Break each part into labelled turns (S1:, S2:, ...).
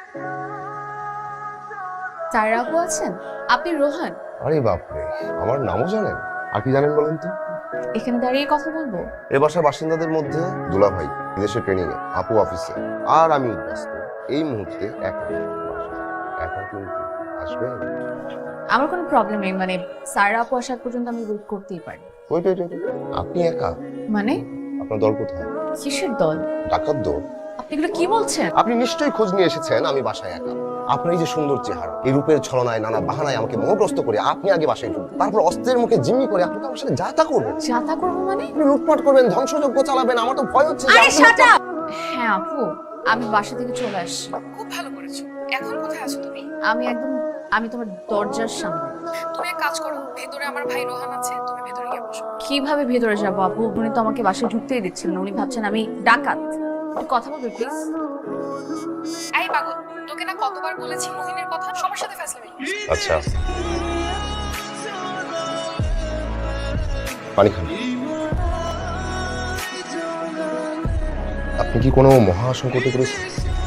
S1: সায়রা আপু আছেন? আপনি রোহান?
S2: আরে বাপরে, আমার নামও জানেন? আর কি জানেন বলেন তো?
S1: এখানে দাঁড়িয়ে কথা বলবো?
S2: এ বাসার বাসিন্দাদের মধ্যে দুলা ভাই বিদেশে ট্রেনিং এ, আপু অফিসে, আর আমি ব্যস্ত এই মুহূর্তে একা একা কিন্তু আসবেন?
S1: আমার কোনো প্রবলেম নেই, মানে সায়রা আপু আসার পর্যন্ত আমি ওয়েট করতেই পারি।
S2: ওয়েট ওয়েট ওয়েট, আপনি একা?
S1: মানে
S2: আপনার দল কোথায়?
S1: কিসের দল?
S2: ডাকাত দল?
S1: আপনি এগুলো কি বলছেন?
S2: আপনি নিশ্চয়ই খোঁজ নিয়ে এসেছেন আমি বাসায় একা। আপনার এই যে সুন্দর চেহারা, এই রূপের ছলনায় নানা বাহানায় আমাকে মোহগ্রস্ত করে আপনি আগে বাসায় ঢুকবেন, তারপর অস্ত্রের মুখে জিম্মি করে আপনি তো আমার সাথে যাতা করবেন।
S1: যাতা করবো মানে?
S2: আপনি লুটপাট করবেন, ধ্বংসযজ্ঞ চালাবেন। আমার তো ভয় হচ্ছে যে
S1: আরে
S2: আপনি
S1: শাট আপ! হ্যাঁ আপু, আমি বাসা থেকে চলে আসছি।
S3: খুব ভালো করেছো। এখন কোথায় আছো তুমি?
S1: আমি তোমার দরজার সামনে।
S3: তুমি এক কাজ করো, ভেতরে আমার ভাই রোহান আছে, তুমি ভেতরে গিয়ে বসো।
S1: কিভাবে ভেতরে যাবো আপু? উনি তো আমাকে বাসায় ঢুকতেই দিচ্ছিলেন না। উনি ভাবছেন আমি ডাকাত। একটু কথা বলবে প্লিজ?
S3: এই পাগল, তোকে না কতবার বলেছি মোহিনীর কথা, সবার সাথে ফ্যাসলামি করিস।
S2: আচ্ছা, পানি খান। আপনি কি কোনো মহা সংকটে পড়েছেন?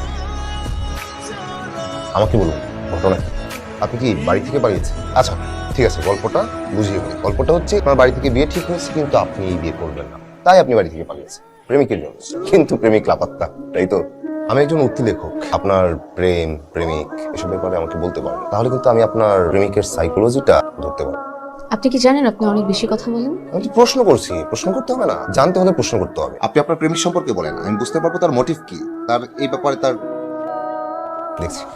S2: আমাকে বলুন ঘটনা কি? আপনি কি বাড়ি থেকে পালিয়েছেন? আচ্ছা ঠিক আছে, গল্পটা বুঝিয়ে বলি। গল্পটা হচ্ছে আপনার বাড়ি থেকে বিয়ে ঠিক হয়েছে, কিন্তু আপনি এই বিয়ে করবেন না, তাই আপনি বাড়ি থেকে পালিয়েছেন প্রেমিকের জন্য। কিন্তু প্রেমিক লাপাত্তা, তাই তো? আমি একজন উক্তি লেখক। আপনার প্রেম, প্রেমিক এসব ব্যাপারে আমাকে বলতে পারবেন, তাহলে কিন্তু আমি আপনার প্রেমিকের সাইকোলজিটা ধরতে পারবো।
S1: আপনি কি জানেন আপনি অনেক বেশি কথা বলেন?
S2: আমি তো প্রশ্ন করছি, প্রশ্ন করতে হবে না? জানতে হলে প্রশ্ন করতে হবে। আপনি আপনার প্রেমিক সম্পর্কে বলেন, আমি বুঝতে পারবো তার মোটিভ কি, তার এই ব্যাপারে তার। দেখছি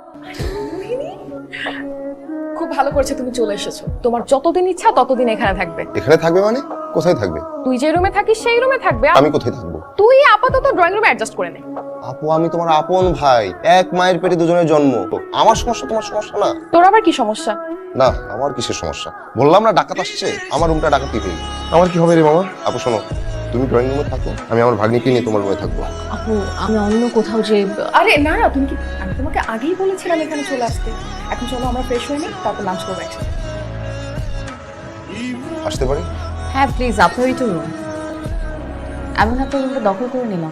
S3: খুব ভালো করেছে তুমি চলে এসেছো। তোমার যতদিন ইচ্ছা ততদিন এখানে থাকবে।
S2: এখানে থাকবে মানে? কোথায় থাকবে?
S3: তুই যে রুমে থাকিস সেই রুমে থাকবে।
S2: আমি কোথায় থাকবো?
S3: তুই আপাতত ড্রয়িং রুমে অ্যাডজাস্ট করে নে।
S2: আপু আমি তোমার আপন ভাই, এক মায়ের পেটে দুজনের জন্ম। তো আমার সমস্যা তোমার সমস্যা না?
S3: তোর আবার কি সমস্যা?
S2: না, আমার কিসের সমস্যা? বললাম না ডাকাত আসছে, আমার রুমটা ডাকাতি হয়ে গেল। আমার কি হবে রে মামা? আপু শোনো, তুমি ড্রয়িং রুমে থাকো, আমি আমার ভাগ্নিকে নিয়ে তোমার রুমে থাকবো।
S1: আপু আমি অন্য কোথাও যে।
S3: আরে না না, তুমি কি, আমি তোমাকে আগেই বলেছিলাম এখানে চলে আসতে। এখন চলো আমরা ফ্রেশ হয়ে নিই, তারপর লাঞ্চ করবো একসাথে।
S2: আসতে পারি?
S1: হ্যাঁ প্লিজ, আপনারই তো রুম। আমি না আপনার রুমটা দখল করে নিলাম।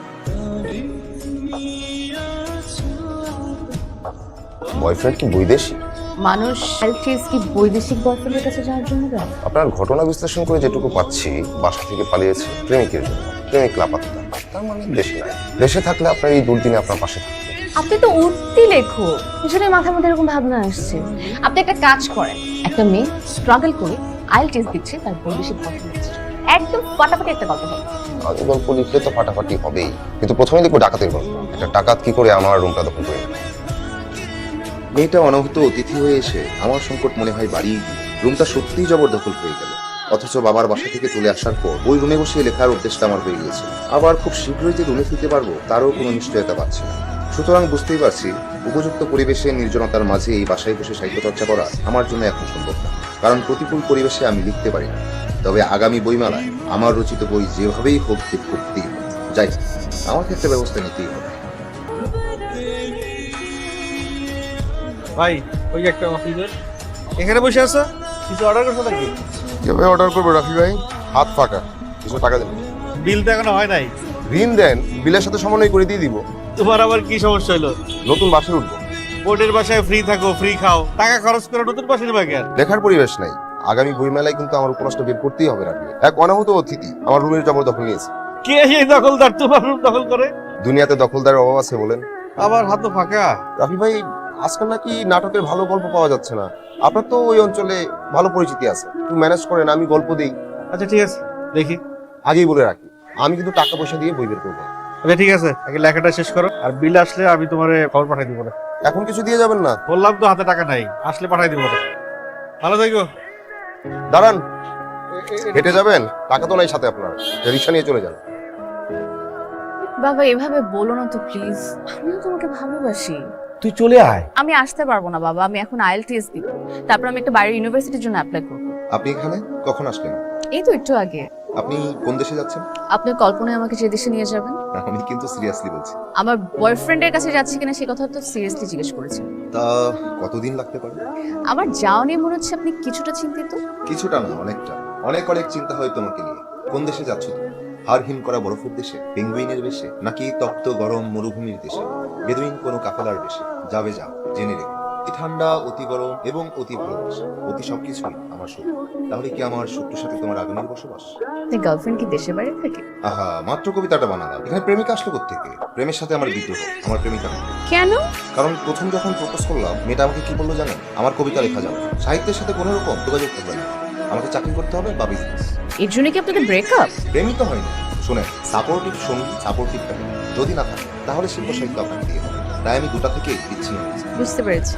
S2: বয়ফ্রেন্ড কি বৈদেশি?
S1: মানুষ সেলফিস কি বৈদেশিক বয়ফ্রেন্ডের কাছে যাওয়ার জন্য যায়?
S2: আপনার ঘটনা বিশ্লেষণ করে যেটুকু পাচ্ছি, বাসা থেকে পালিয়েছে প্রেমিকের জন্য। প্রেমিক লাপাত্তা, তার মানে দেশে নাই। দেশে থাকলে আপনার এই দুর্দিনে আপনার পাশে থাকবে।
S1: আপনি তো উঠতি লেখো, পিছনে মাথার মধ্যে এরকম ভাবনা আসছে। আপনি একটা কাজ করেন, একটা মেয়ে স্ট্রাগল করে আইএল টেস্ট দিচ্ছে, তার বৈদেশিক বয়ফ্রেন্ড হচ্ছে, একদম ফাটাফাটি একটা গল্প হবে।
S2: আগে গল্প লিখলে তো ফাটাফাটি হবেই, কিন্তু প্রথমে লিখবো ডাকাতের গল্প। একটা ডাকাত কি করে আমার রুমটা দখল করে নেয়।
S4: মেয়েটা অনাহূত অতিথি হয়ে এসে আমার সংকট মনে হয় বাড়িয়ে দিল। রুমটা সত্যিই জবরদখল হয়ে গেল। অথচ বাবার বাসা থেকে চলে আসার পর ওই রুমে বসে লেখার উদ্দেশ্যটা আমার হয়ে গিয়েছে। আবার খুব শীঘ্রই যে রুমে ফিরতে পারবো তারও কোনো নিশ্চয়তা পাচ্ছি না। সুতরাং বুঝতেই পারছি উপযুক্ত পরিবেশে নির্জনতার মাঝে এই বাসায় বসে সাহিত্য চর্চা করা আমার জন্য এখন সম্ভব না, কারণ প্রতিকূল পরিবেশে আমি লিখতে পারি না। তবে আগামী বইমেলায় আমার রচিত বই যেভাবেই হোক ঠিক করতেই হবে। যাই হোক, আমাকে একটা ব্যবস্থা নিতেই হবে।
S5: ভাই ওই একটা অফিসের এখানে বসে আছো, কিছু অর্ডার করছো নাকি?
S2: কিভাবে অর্ডার করবো রাফি ভাই? হাত ফাঁকা, কিছু টাকা দেন।
S5: বিল তো এখনো হয় নাই।
S2: ঋণ দেন, বিলের সাথে সমন্বয় করে দিয়ে দিব।
S5: তোমার আবার কি সমস্যা হলো?
S2: নতুন বাসে উঠবো।
S5: বোর্ডের বাসায় ফ্রি থাকো, ফ্রি খাও, টাকা খরচ করে নতুন বাসা নেবা কেন?
S2: লেখার পরিবেশ নাই। আগামী বইমেলায় কিন্তু আমার উপন্যাসটা বের করতেই হবে রাফি। এক অনাহূত অতিথি আমার রুমের জবরদখল নিয়েছে।
S5: কে সেই দখলদার তোমার রুম দখল করে?
S2: দুনিয়াতে দখলদারের অভাব আছে বলেন?
S5: আবার হাত তো ফাঁকা।
S2: রাফি ভাই, আজকাল নাকি নাটকের ভালো গল্প পাওয়া যাচ্ছে না। আপনার তো ওই অঞ্চলে ভালো পরিচিতি আছে, একটু ম্যানেজ করেন, আমি গল্প দিই।
S5: আচ্ছা ঠিক আছে, দেখি।
S2: আগেই বলে রাখি, আমি কিন্তু টাকা পয়সা দিয়ে বই বের করবো।
S5: আচ্ছা ঠিক আছে, আগে লেখাটা শেষ করো, আর বিল আসলে আমি তোমার খবর পাঠাই দিব না।
S2: এখন কিছু দিয়ে যাবেন না?
S5: বললাম তো হাতে টাকা নাই, আসলে পাঠাই দিব না। ভালো থাকো।
S2: দাঁড়ান, হেঁটে যাবেন? টাকা তো নাই সাথে আপনার, রিক্সা নিয়ে চলে যান।
S1: বাবা এভাবে বলো না তো প্লিজ, আমিও তোমাকে ভালোবাসি।
S5: তুই চলে আয়।
S1: আমি আসতে পারবো না বাবা, আমি এখন আইএল টেস্ট দিব, তারপর আমি একটা বাইরের ইউনিভার্সিটির জন্য অ্যাপ্লাই করবো।
S4: আপনি এখানে কখন আসলেন?
S1: এই তো একটু আগে।
S4: আপনি কোন দেশে যাচ্ছেন?
S1: আপনার কল্পনায় আমাকে যে দেশে নিয়ে যাবেন।
S4: আমি কিন্তু সিরিয়াসলি বলছি।
S1: আমার বয়ফ্রেন্ডের কাছে যাচ্ছি কিনা সে কথা তো সিরিয়াসলি জিজ্ঞেস করেছি।
S4: তা কতদিন লাগতে পারে?
S1: আমার যাওয়া নিয়ে মনে হচ্ছে আপনি কিছুটা চিন্তিত।
S4: কিছুটা না, অনেকটা। অনেক অনেক চিন্তা হয় তোমাকে নিয়ে। কোন দেশে যাচ্ছ তুমি? হাড় হিম করা বরফের দেশে, পেঙ্গুইনের দেশে, নাকি তপ্ত গরম মরুভূমির দেশে? বেদুইন কোনো কাফেলার বেশি যাবে যা জেনে রেখো। অতি ঠান্ডা, অতি গরম এবং অতি ভালোবাসা, অতি সবকিছুই আমার শত্রু। তাহলে কি আমার শত্রুর সাথে তোমার আগুনের বসবাস?
S1: গার্লফ্রেন্ড কি দেশের বাইরে থাকে?
S4: আহা, মাত্র কবিতাটা বানালাম। এখানে প্রেমিকা আসলো কোত্থেকে? প্রেমের সাথে আমার বিদ্রোহ, আমার প্রেমিকা না।
S1: কেন?
S4: কারণ প্রথম যখন প্রপোজ করলাম, মেয়েটা আমাকে কি বললো জানেন? আমার কবিতা লেখা যাবে না, সাহিত্যের সাথে কোনো রকম যোগাযোগ করবে না, আমাকে চাকরি করতে হবে বা বিজনেস।
S1: এর জন্য কি আপনাদের ব্রেকআপ?
S4: প্রেমই তো হয়নি। শোনেন, সাপোর্টিভ সঙ্গী, সাপোর্টিভ ফ্যামিলি যদি না থাকে তাহলে শিল্প সাহিত্য আপনাকে দিয়ে হবে। তাই আমি দুটা থেকেই বিচ্ছিন্ন হয়েছি।
S1: বুঝতে পেরেছি।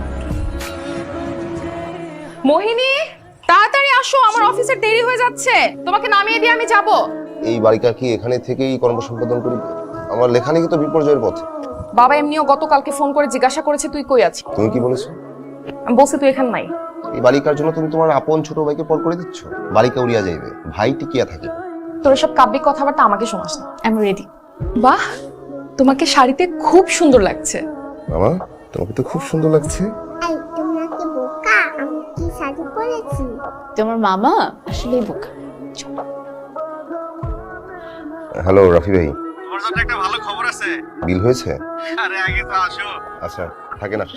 S3: মোহিনী, তাড়াতাড়ি আসো, আমার অফিসের দেরি হয়ে যাচ্ছে। তোমাকে নামিয়ে দিয়ে আমি যাব।
S2: এই বাড়িটা কি এখানে থেকেই কর্ম সম্পাদন করিবে? আমার লেখালেখি তো বিপর্যয়ের পথে।
S3: বাবা এমনিও গতকালকে ফোন করে জিজ্ঞাসা করেছে তুই কই আছিস।
S2: তুমি কি বলেছো?
S3: আমি বলছি তুই এখানে নাই।
S2: এই বালিকার জন্য তুমি তোমার আপন ছোট ভাইকে পর করে দিচ্ছ? বালিকা উড়িয়া যাইবে, ভাই টিকিয়া থাকে।
S3: তোর সব কাব্যিক কথাবার্তা আমাকে শোনাস না। আমি রেডি। বাহ, তোমাকে শাড়িতে খুব সুন্দর লাগছে।
S2: মামা, তোমাকে তো খুব সুন্দর লাগছে।
S6: এই তোমরা কি বোকা? আমি কি শাড়ি পরেছি?
S1: তোমার মামা আসলেই বোকা।
S2: হ্যালো রাফি ভাই,
S5: তোমার জন্য একটা ভালো খবর আছে।
S2: বিল হয়েছে?
S5: আরে আগে তো আসো।
S2: আচ্ছা, থাকে না।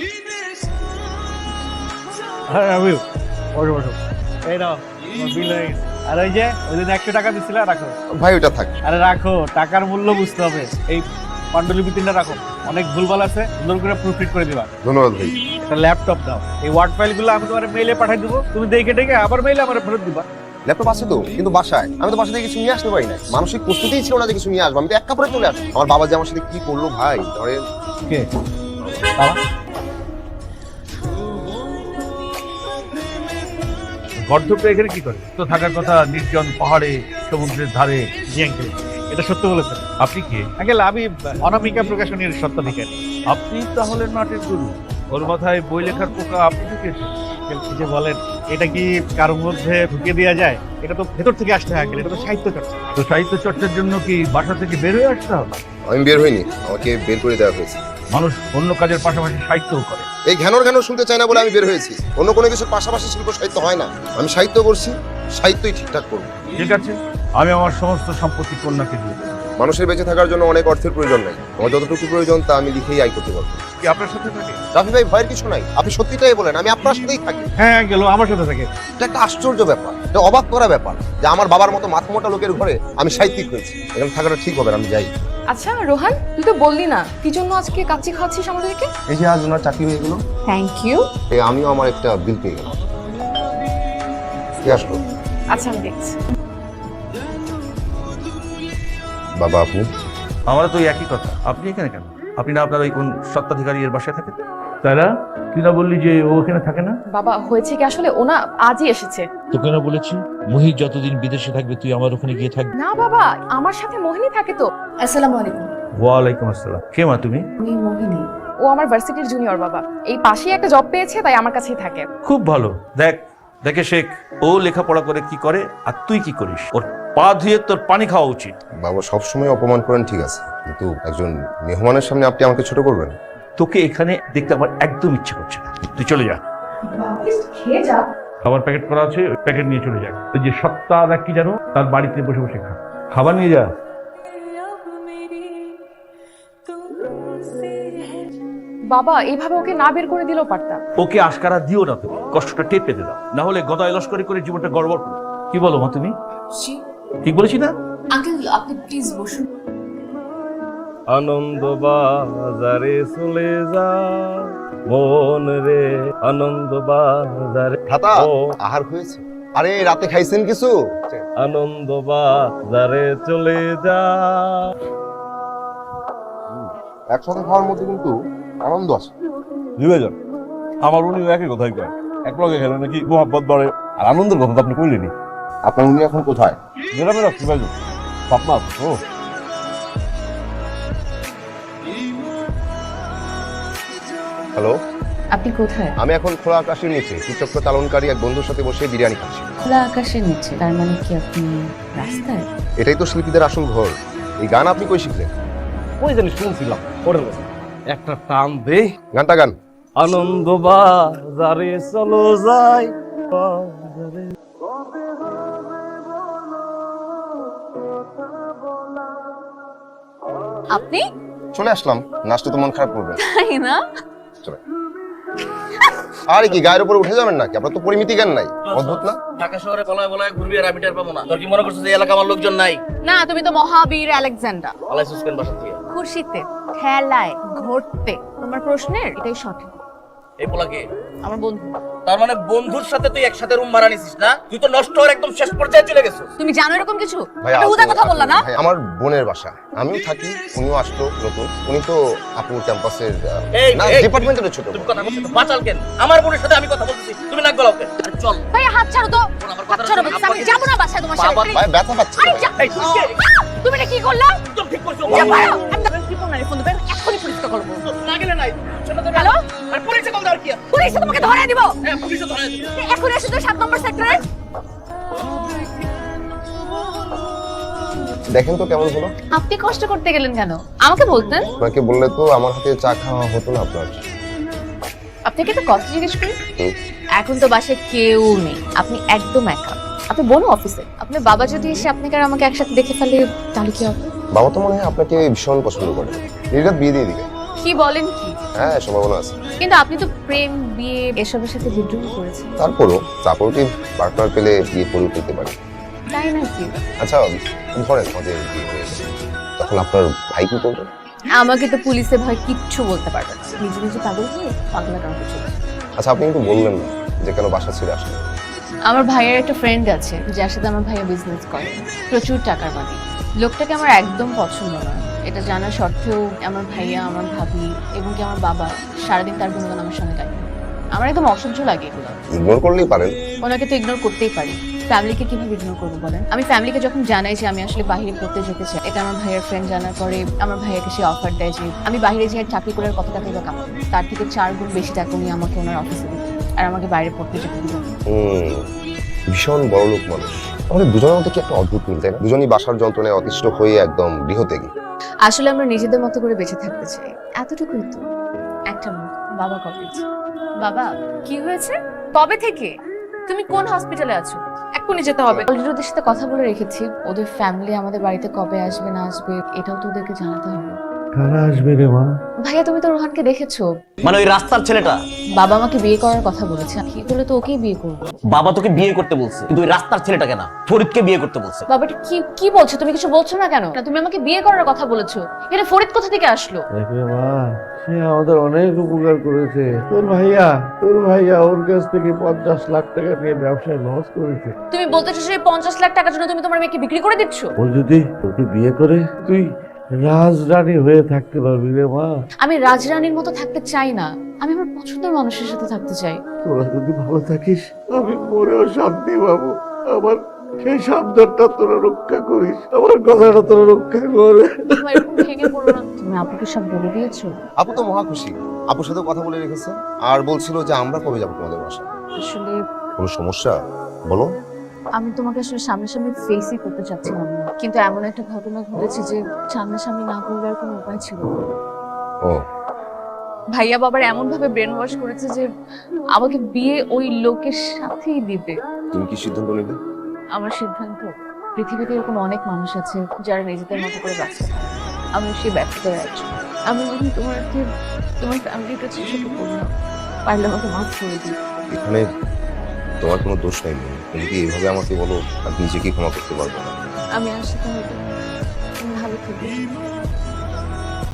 S5: হ্যাঁ আমি বসো বসো। এই নাও তোমার বিল হয়ে গেছে। আর ওই যে ওই দিন 100 টাকা দিছিলা, রাখো।
S2: ভাই ওটা থাক।
S5: আরে রাখো, টাকার মূল্য বুঝতে হবে। এই পাণ্ডুলিপি 3টা রাখো, অনেক ভুলভাল আছে, সুন্দর করে প্রুফরিড করে দিবা।
S2: ধন্যবাদ ভাই।
S5: একটা ল্যাপটপ দাও, এই ওয়ার্ড ফাইলগুলো আমি তোমার মেইলে পাঠাই দেবো, তুমি দেখে দেখে আবার মেইলে আমার ফেরত দিবা।
S2: ল্যাপটপ আছে তো, কিন্তু বাসায়। আমি তো বাসা থেকে কিছু নিয়ে আসতে পারি না, মানসিক প্রস্তুতিই ছিল না যে কিছু নিয়ে আসবো। আমি তো এক কাপড়ে চলে আসি। আমার বাবা যে আমার সাথে কি করলো ভাই, ধরেন।
S5: কে বাবা? গর্ধপটা এখানে কি করে? তো থাকার কথা নির্জন পাহাড়ে, সমুদ্রের ধারে। জি আঙ্কেল, এটা সত্য বলেছেন। আপনি কি? আঙ্কেল আমি অনামিকা প্রকাশনীর সত্ত্বাধিকারী। আপনি তাহলে নাটের গুরু। ওর মাথায় বই লেখার পোকা আপনি ঢুকিয়েছেন। কি যে বলেন, এটা কি কারোর মধ্যে ঢুকিয়ে দেওয়া যায়? এটা তো ভেতর থেকে আসতে হয় আঙ্কেল, এটা তো সাহিত্য চর্চা। তো সাহিত্য চর্চার জন্য কি বাসা থেকে বের হয়ে আসতে হবে?
S2: আমি বের হইনি, আমাকে বের করে দেওয়া হয়েছে।
S5: মানুষ অন্য কাজের পাশাপাশি সাহিত্যও করে।
S2: এই ঘ্যানোর ঘ্যানোর শুনতে চাই না বলে আমি বের হয়েছি। অন্য কোনো কিছুর পাশাপাশি শিল্প সাহিত্য হয় না। আমি সাহিত্য করছি, সাহিত্যই ঠিকঠাক করবো।
S5: ঠিক আছে, আমি আমার সমস্ত সম্পত্তি কন্যাকে দিয়ে দেবো।
S2: মানুষের বেঁচে থাকার জন্য অনেক অর্থের প্রয়োজন নাই, আমার যতটুকু প্রয়োজন তা আমি লিখেই আয় করতে পারবো।
S5: কি আপনার সাথে থাকে?
S2: রাফি ভাই, ভয়ের কিছু নাই, আপনি সত্যিটাই বলেন, আমি আপনার সাথেই থাকি।
S5: হ্যাঁ গেল, আমার সাথে থাকে।
S2: এটা একটা আশ্চর্য ব্যাপার, এটা অবাক করা ব্যাপার যে আমার বাবার মতো মাথা মোটা লোকের ঘরে আমি সাহিত্যিক হয়েছি। এখানে থাকাটা ঠিক হবে না, আমি যাই।
S3: আচ্ছা রোহান, তুই তো বললি না কি জন্য আজকে কাচ্চি খাওয়াচ্ছিস আমাদেরকে।
S2: এই যে আজ ওনার চাকরি হয়ে গেল,
S3: থ্যাংক ইউ।
S2: এই আমিও আমার একটা বিল পেয়ে গেলাম। কে আসলো?
S3: আচ্ছা আমি দেখছি।
S2: বাবা আপনি?
S7: আমারও তো ওই একই কথা। আপনি এখানে কেন? আপনি না আপনার ওই কোন সত্ত্বাধিকারী এর বাসায় থাকেন? তারা তুই না বললি যে ও এখানে থাকে না?
S3: বাবা হয়েছে কি, আসলে ওনা আজই এসেছে।
S7: তোকে না বলেছি মুহিত যতদিন বিদেশে থাকবে তুই আমার ওখানে গিয়ে থাকবি?
S3: না বাবা, আমার সাথে মোহিনী থাকে তো। আসসালামু আলাইকুম।
S7: ওয়ালাইকুম আসসালাম। কে মা তুমি?
S3: আমি মোহিনী। ও আমার ভার্সিটির জুনিয়র বাবা। এই পাশেই একটা জব পেয়েছে, তাই আমার কাছেই থাকে।
S7: খুব ভালো। দেখ দেখে শেখ, ও লেখাপড়া করে কি করে আর তুই কি করিস। ওর পা ধুয়ে তোর পানি খাওয়া উচিত।
S2: বাবা সবসময় অপমান করেন ঠিক আছে, কিন্তু একজন মেহমানের সামনে আপনি আমাকে ছোট করবেন?
S7: তোকে এখানে দেখতে আমার একদম ইচ্ছে করছে না। তুই চলে যা।
S3: খেয়ে যা।
S7: খাবার প্যাকেট করা আছে, ওই প্যাকেট নিয়ে চলে যা। ওই যে সত্তা দেখ কি জানো, তার বাড়িতে বসে বসে খা। খাবার নিয়ে যা।
S3: বাবা এইভাবে ওকে না বের করে দিলেও পারতাম।
S7: ওকে আশকারা দিও না, তুমি কষ্টটা টের পেতে দাও, না হলে গদায় লস্করি করে জীবনটা গড়বড় করো। কি বলো মা তুমি? ঠিক বলেছি না?
S1: আঙ্কেল আপনি প্লিজ বসুন।
S8: আনন্দ বাজারে চলে যা মন রে, আনন্দ বাজারে।
S2: ভাতা
S8: ও
S2: আহার হয়েছে? আরে রাতে খাইছেন কিছু?
S8: আনন্দ বাজারে চলে যা।
S2: একসাথে খাওয়ার মধ্যে কিন্তু আনন্দ আছে।
S8: দুইজন আমার উনি একই কথাই কয়, এক লগে খেলে নাকি মোহাব্বত বাড়ে। আর আনন্দের কথা তো আপনি কইলেনি।
S2: আপনার উনি এখন কোথায়?
S8: গ্রামে রাখছি ভাই, পাপনা ও।
S2: হ্যালো,
S1: আপনি কোথায়?
S2: আমি এখন খোলা আকাশের নিচে তীর্থক্র চালনকারী এক বন্ধুর সাথে বসে বিরিয়ানি খাচ্ছি।
S1: খোলা আকাশের নিচে, তার মানে কি আপনি রাস্তায়?
S2: এটাই তো শিল্পীদের আসল ঘর। এই গান আপনি কই শিখলেন?
S8: ওই জানি শুনছিলাম, ওরে একটা টান দে।
S2: গানটা গান।
S8: আনন্দ বাজারে চলো যাই বাজারে।
S1: আপনি
S2: চলে আসলাম, নাচতে তো মন খারাপ করবে।
S1: তাই না?
S2: চলে। আরে কি গায়ের উপরে উঠে যাবেন নাকি? আপনার তো পরিমিতি জ্ঞান নাই, অদ্ভুত না?
S9: ঢাকা শহরে বলায় বলায় ঘুরবি আর আমি টের পাবো না। তোর কি মনে করছিস এই এলাকা আমার লোকজন নাই?
S1: না, তুমি তো মহাবীর আলেকজান্ডার।
S9: আলাই সুস্পেন বাসা থেকে
S1: খুশিতে, খেলায়, ঘুরতে। তোমার প্রশ্নের এটাই সঠিক।
S9: এই পোলাকে
S1: আমার বন্ধু।
S9: তার মানে বন্ধুর সাথে তুই একসাথে রুম ভাড়া নিছিস না? তুই তো নষ্ট হওয়ার একদম শেষ পর্যায়ে চলে গেছিস।
S1: তুমি জানো এরকম কিছু?
S2: ভাই
S1: একটা উদা কথা বললা না?
S2: ভাই, আমার বোনের বাসা, আমিও থাকি, উনিও আসলো নতুন। উনি তো আপুর ক্যাম্পাসের
S9: এই,
S2: না
S9: এই,
S2: ডিপার্টমেন্টের ছোট
S9: তুমি
S2: বোন।
S9: কথা বলছিস বাচাল কেন? আমার বোনের সাথে আমি কথা বলতেছি, তুমি নাক গলাও কেন? আরে চল।
S1: ভাই হাত ছাড়ো তো।
S9: আমার
S1: হাত
S9: কথাটা
S1: ছাড়ো
S9: শোনো,
S1: বলছি, আমি যাবো না বাসায় তোমার সাথে।
S2: ভাই ব্যথা পাচ্ছে।
S1: আরে যা।
S9: এই, তুই কে?
S1: তুমি এটা কি করলা?
S9: একদম ঠিক করছো।
S1: যা পারো। আমি তো কি ফোন ফোন দেবে, এখনই পুলিশকে কল করব।
S9: না গেলে নাই। শোনো তো।
S1: হ্যালো?
S9: আর পুলিশে কল দেওয়ার কি আছে?
S1: পুলিশ তোমাকে ধরে দিব।
S9: হ্যাঁ, পুলিশে ধরে দিবি।
S1: এখন এসে তো 7 নম্বর সেক্টরে।
S2: দেখেন তো কেমন হলো।
S1: আপনি কষ্ট করতে গেলেন কেন? আমাকে বলতেন।
S2: আপনাকে বললে তো আমার হাতে চা খাওয়া হতো না আপনার।
S1: আপনাকে একটা কথা জিজ্ঞেস করি।
S2: হুম।
S1: এখন তো বাসায় কেউ নেই, আপনি একদম একা। আপনি বোন অফিসে। আপনার বাবা যদি এসে আপনাকে আর আমাকে একসাথে দেখে ফেলে তাহলে কি হবে?
S2: বাবা তো মনে হয় আপনাকে ভীষণ পছন্দ করে, নির্ঘাত বিয়ে দিয়ে দিবে।
S1: কি বলেন কি?
S2: হ্যাঁ, সম্ভাবনা আছে।
S1: কিন্তু আপনি তো প্রেম, বিয়ে এসবের সাথে বিদ্রোহ করেছেন।
S2: তারপরও সাপোর্টিভ পার্টনার পেলে বিয়ে করে পেতে পারে।
S1: তাই নাকি?
S2: আচ্ছা ধরেন আমাদের বিয়ে হয়ে গেছে, তখন আপনার ভাই কি করবে?
S1: আমাকে তো পুলিশে ভয় কিচ্ছু বলতে পারবে না। নিজে নিজে পাগল হয়ে পাগলা কাউকে চলে।
S2: আচ্ছা আপনি কিন্তু বললেন না যে কেন বাসা ছেড়ে আসলেন।
S1: আমার ভাইয়ের একটা ফ্রেন্ড আছে যার সাথে আমার ভাইয়া বিজনেস করে, প্রচুর টাকার মালিক। লোকটাকে আমার একদম পছন্দ না। এটা জানা সত্ত্বেও আমার ভাইয়া, আমার ভাবি এবং কি আমার বাবা সারাদিন তার গুণগান আমার সঙ্গে গায়। আমার একদম অসহ্য লাগে এগুলো।
S2: ইগনোর করলেই পারেন।
S1: ওনাকে তো ইগনোর করতেই পারি, ফ্যামিলিকে কিভাবে ইগনোর করবো বলেন? আমি ফ্যামিলিকে যখন জানাই যে আমি আসলে বাইরে পড়তে যেতে চাই, এটা আমার ভাইয়ের ফ্রেন্ড জানার পরে আমার ভাইয়াকে সে অফার দেয় যে আমি বাইরে যেয়ে চাকরি করে কত টাকা বা কামাবো, তার থেকে 4 গুণ বেশি টাকা উনি আমাকে ওনার অফিসে দিত আর আমাকে বাইরে পড়তে যেতে দিবেন।
S2: ভীষণ বড় লোক মানুষ। আমাদের দুজনের মধ্যে কি একটা অদ্ভুত মিল, তাই না? দুজনই বাসার যন্ত্রণায় অতিষ্ঠ হয়ে একদম গৃহত্যাগী।
S1: আসলে আমরা নিজেদের মতো করে বেঁচে থাকতে চাই, এতটুকুই তো। একটা মুখ, বাবা কলেজ। বাবা কি হয়েছে? কবে থেকে? তুমি কোন হসপিটালে আছো? এক্ষুনি যেতে হবে। অলরেডি ওদের সাথে কথা বলে রেখেছি, ওদের ফ্যামিলি আমাদের বাড়িতে কবে আসবে না আসবে এটাও তো ওদেরকে জানাতে হবে।
S7: কারা আসবে রে মা?
S1: ভাইয়া তুমি তো রোহানকে দেখেছো?
S9: মানে ওই রাস্তার ছেলেটা?
S1: বাবা আমাকে বিয়ে করার কথা বলেছে, কি বলে তো ওকেই বিয়ে করবো।
S9: বাবা তোকে বিয়ে করতে বলছে, কিন্তু ওই রাস্তার ছেলেটাকে না, ফরিদকে বিয়ে করতে বলছে।
S1: বাবাটা কি কি বলছো? তুমি কিছু বলছো না কেন? না, তুমি আমাকে বিয়ে করার কথা বলেছো, এটা ফরিদ কোথা থেকে আসলো?
S7: দেখবে মা, সে আমাদের অনেক উপকার করেছে। তোর ভাইয়া ওর কাছ থেকে 50 লাখ টাকা নিয়ে ব্যবসায় লস করেছে।
S1: তুমি বলতেছো সেই 50 লাখ টাকার জন্য তুমি তোমার মেয়েকে বিক্রি করে দিচ্ছ?
S7: ও যদি তোকে বিয়ে করে তুই রাজরানী হয়ে থাকতে পারবি রে মা।
S1: আমি রাজরানীর মতো থাকতে চাই না, আমি আমার পছন্দের মানুষের সাথে থাকতে চাই।
S7: তোরা যদি ভালো থাকিস আমি মরেও শান্তি পাবো। আমার সেই সাবধানটা তোরা রক্ষা করিস, আমার কথাটা তোরা রক্ষা করে।
S1: তুমি এরকম ভেঙে পড়ো না। তুমি আপুকে সব বলে দিয়েছো?
S2: আপু তো মহা খুশি, আপুর সাথে কথা বলে রেখেছে আর বলছিল যে আমরা কবে যাবো তোমাদের বাসায়।
S1: আসলে
S2: কোনো সমস্যা বলো।
S1: আমি তোমাকে আসলে সামনাসামনি ফেসই করতে চাচ্ছিলাম না, কিন্তু এমন একটা ঘটনা ঘটেছে যে সামনাসামনি না করলে আর কোনো উপায় ছিল না।
S2: ও
S1: ভাইয়া বাবার এমন ভাবে ব্রেন ওয়াশ করেছে যে আমাকে বিয়ে ওই লোকের সাথেই দিবে।
S2: তুমি কি সিদ্ধান্ত নিলে?
S1: আমার সিদ্ধান্ত, পৃথিবীতে এরকম অনেক মানুষ আছে যারা নিজেদের মতো করে বাঁচে, আমি সেই ব্যর্থতার একজন। আমি বলি তোমার ফ্যামিলির কাছে ছোট করলাম, পারলে আমাকে মাফ করে দিই।
S2: এখানে তোমার কোনো দোষ নেই। তুমি যদি এইভাবে আমাকে বলো, আমি নিজেকে ক্ষমা করতে পারবো না।
S1: আমি আসলে তুমি ভালো থাকবে।